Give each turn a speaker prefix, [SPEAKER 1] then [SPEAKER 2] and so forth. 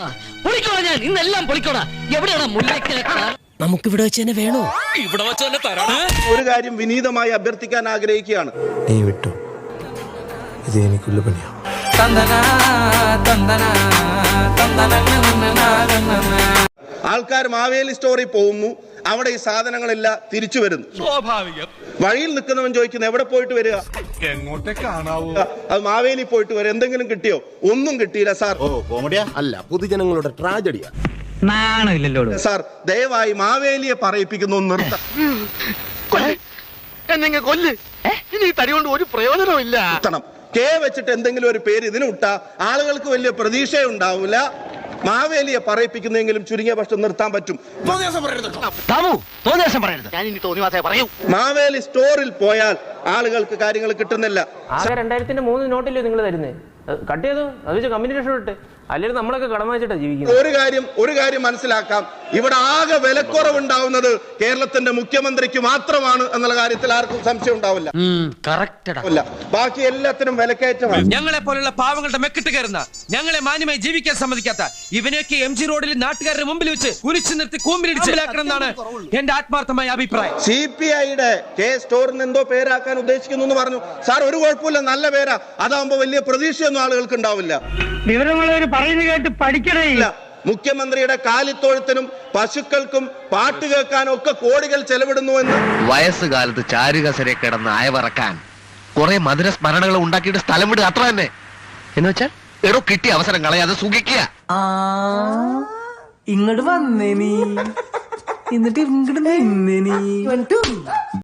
[SPEAKER 1] ഞാൻ ഇന്നെല്ലാം പൊളിക്കോടാ. എവിടെയാണ് മുല്ലയ്ക്ക്? നമുക്കിവിടെ വെച്ച് തന്നെ വേണോ? ഇവിടെ വെച്ച് തന്നെ തരാം.
[SPEAKER 2] ഒരു കാര്യം വിനീതമായി അഭ്യർത്ഥിക്കാൻ ആഗ്രഹിക്കുകയാണ്.
[SPEAKER 3] നീ വിട്ടു, ഇത് എനിക്കുള്ള പണിയാ.
[SPEAKER 2] ആൾക്കാർ മാവേലി സ്റ്റോറിൽ പോകുന്നു, അവിടെ ഈ സാധനങ്ങളെല്ലാം തിരിച്ചു വരുന്നു.
[SPEAKER 4] സ്വാഭാവികം.
[SPEAKER 2] വഴിയിൽ നിൽക്കുന്നവൻ ചോദിക്കുന്നു എവിടെ പോയിട്ട് വരിക?
[SPEAKER 4] എങ്ങോട്ടേ കാണാവൂ.
[SPEAKER 2] അത് മാവേലി പോയിട്ട് വരും. എന്തെങ്കിലും കിട്ടിയോ? ഒന്നും കിട്ടിയില്ല സാർ.
[SPEAKER 5] കോമഡിയാ അല്ല, പൊതുജനങ്ങളുടെ ട്രാജഡിയാ.
[SPEAKER 1] നാണമില്ലല്ലോ
[SPEAKER 2] സാർ ദയവായി മാവേലിയെ പറയിപ്പിക്കുന്നു നിർത്തണം. കെ വെച്ചിട്ട് എന്തെങ്കിലും ഒരു പേര് ഇതിന് ഇട്ടാ ആളുകൾക്ക് വലിയ പ്രതീക്ഷയുണ്ടാവില്ല. മാവേലിയെ പറയിപ്പിക്കുന്നെങ്കിലും ചുരുങ്ങിയ പക്ഷം നിർത്താൻ പറ്റും. മാവേലി സ്റ്റോറിൽ പോയാൽ ആളുകൾക്ക് കാര്യങ്ങൾ കിട്ടുന്നില്ല.
[SPEAKER 6] 2003 നോട്ടില്ലേ നിങ്ങൾ തരുന്നേ? കട്ട് ചെയ്തു, അത് വെച്ച് കമ്പനി രക്ഷപ്പെട്ട്. അല്ലെങ്കിൽ നമ്മളൊക്കെ കടം വാങ്ങിച്ചിട്ടാ ജീവിക്കുന്നത്.
[SPEAKER 2] ഒരു കാര്യം മനസ്സിലാക്കാം, ഇവിടെ ആകെ വിലക്കുറവുണ്ടാവുന്നത് കേരളത്തിന്റെ മുഖ്യമന്ത്രിക്ക് മാത്രമാണ് എന്നുള്ള കാര്യത്തിൽ ആർക്കും സംശയം ഉണ്ടാവില്ല. ബാക്കി എല്ലാത്തിനും വിലക്കയറ്റമാണ്.
[SPEAKER 7] ഞങ്ങളെ പോലുള്ള പാവങ്ങളുടെ മെക്കിട്ട് കയറുന്ന, ഞങ്ങളെ മാന്യമായി ജീവിക്കാൻ സമ്മതിക്കാത്ത ഇവനെയൊക്കെ MG റോഡിൽ നാട്ടുകാരുടെ മുമ്പിൽ വെച്ച് കുരിച്ചു നിർത്തി കൂമ്പിലിടിച്ചിലാക്കണം എന്നാണ് എന്റെ ആത്മാർത്ഥമായ അഭിപ്രായം.
[SPEAKER 2] CPIയുടെ കെ സ്റ്റോറിന് എന്തോ പേരാക്കാൻ ഉദ്ദേശിക്കുന്നു എന്ന് പറഞ്ഞു. സാർ ഒരു കുഴപ്പമില്ല, നല്ല പേരാ. അതാകുമ്പോ വലിയ പ്രതീക്ഷയൊന്നും ആളുകൾക്ക് ഉണ്ടാവില്ല.
[SPEAKER 1] വിവരമുള്ളവർ പറയുന്നത് കേട്ട് പഠിക്കണേ.
[SPEAKER 2] മുഖ്യമന്ത്രിയുടെ കാലിത്തൊഴുത്തിനും പശുക്കൾക്കും പാട്ട് കേൾക്കാനും ഒക്കെ കോടികൾ ചെലവിടുന്നുവെന്ന്.
[SPEAKER 8] വയസ്സുകാലത്ത് ചാരുകസരെ കിടന്ന് അയവറക്കാൻ കുറെ മധുര സ്മരണകൾ ഉണ്ടാക്കിയിട്ട് സ്ഥലം വിടുക, അത്ര തന്നെ. എന്ന് വെച്ചാൽ എടോ കിട്ടിയ അവസരം കളയാതെ സുഖിക്കുക.
[SPEAKER 6] ഇങ്ങോട്ട് വന്നേ നീ, എന്നിട്ട് ഇങ്ങോട്ട് നിന്നേ നീ.